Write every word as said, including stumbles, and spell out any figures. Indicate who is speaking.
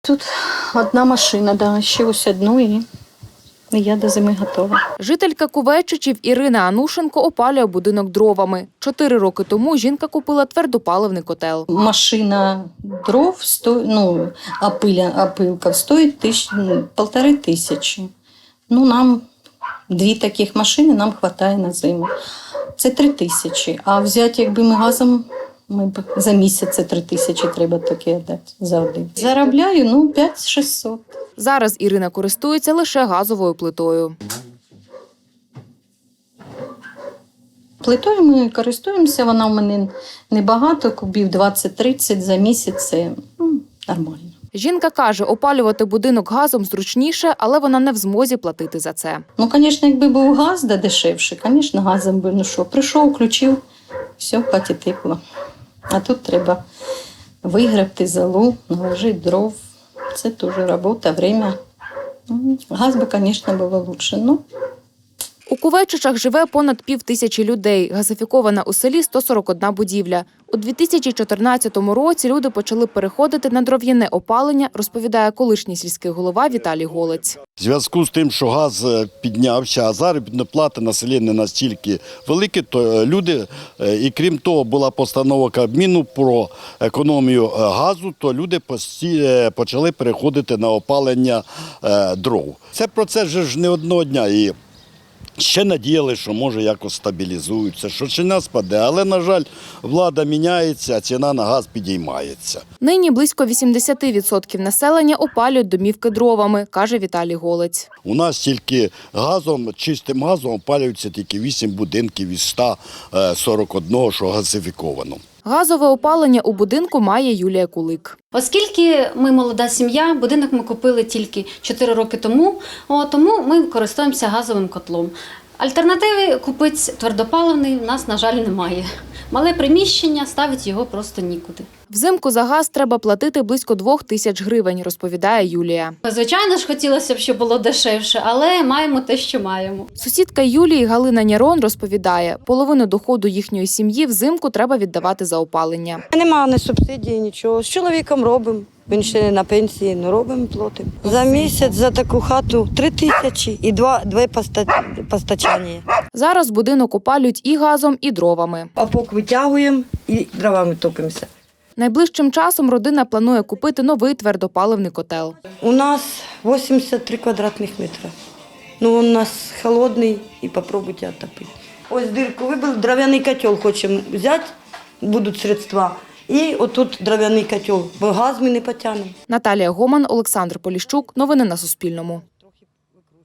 Speaker 1: Тут одна машина, да, ще ось одну і я до зими готова.
Speaker 2: Жителька Кувейчичів Ірина Анушенко опалює будинок дровами. Чотири роки тому жінка купила твердопаливний котел.
Speaker 1: Машина дров, сто... ну, опиля, опилка стоїть тисяч, ну, полтори тисячі. Ну, нам дві таких машини нам вистачає на зиму. Це три тисячі. А взяти, якби ми газом, ми б за місяць це три тисячі треба таке дати за один. Заробляю, ну, п'ять шістсот.
Speaker 2: Зараз Ірина користується лише газовою плитою.
Speaker 1: Плитою ми користуємося, вона в мене небагато, кубів двадцять-тридцять за місяць, це ну, нормально.
Speaker 2: Жінка каже, опалювати будинок газом зручніше, але вона не в змозі платити за це.
Speaker 1: Ну, звісно, якби був газ, да дешевше, звісно, газом би, ну що, прийшов, включив, все, в хаті тепло. А тут треба вигребти залу, наложити дров. Це теж робота, время. Газ би, звісно, було краще. Ну,
Speaker 2: у Кувейчичах живе понад пів тисячі людей. Газифікована у селі сто сорок одна будівля. У дві тисячі чотирнадцятому році люди почали переходити на дров'яне опалення, розповідає колишній сільський голова Віталій Голець.
Speaker 3: В зв'язку з тим, що газ піднявся, а заробітна плата на селі не настільки велика, то люди, і крім того, була постанова Кабміну про економію газу, то люди почали переходити на опалення дров. Це процес ж не одного дня. І ще надіяли, що може якось стабілізуються, що ціна спаде, але, на жаль, влада міняється, а ціна на газ підіймається.
Speaker 2: Нині близько вісімдесят відсотків населення опалюють домівки дровами, каже Віталій Голець.
Speaker 3: У нас тільки газом, чистим газом опалюються тільки вісім будинків із ста сорока одного, що газифіковано.
Speaker 2: Газове опалення у будинку має Юлія Кулик.
Speaker 4: Оскільки ми молода сім'я, будинок ми купили тільки чотири роки тому, о, тому ми користуємося газовим котлом. Альтернативи купити твердопаливний в нас, на жаль, немає. Мале приміщення, ставити його просто нікуди.
Speaker 2: Взимку за газ треба платити близько двох тисяч гривень, розповідає Юлія.
Speaker 4: Звичайно ж, хотілося б, щоб було дешевше, але маємо те, що маємо.
Speaker 2: Сусідка Юлії Галина Нярон розповідає, половину доходу їхньої сім'ї взимку треба віддавати за опалення.
Speaker 5: Немає ні субсидії, нічого. З чоловіком робимо. Він ще не на пенсії, але робимо, платимо. За місяць за таку хату три тисячі і два, дві постачання.
Speaker 2: Зараз будинок опалюють і газом, і дровами.
Speaker 5: Опок витягуємо і дровами топимося.
Speaker 2: Найближчим часом родина планує купити новий твердопаливний котел.
Speaker 5: У нас вісімдесят три квадратних метри. Ну, у нас холодний і спробуйте отопити. Ось дирку вибили, дров'яний котел хочемо взяти, будуть средства. І отут дров'яний котел, бо газ ми не потягнемо.
Speaker 2: Наталія Гоман, Олександр Поліщук. Новини на Суспільному.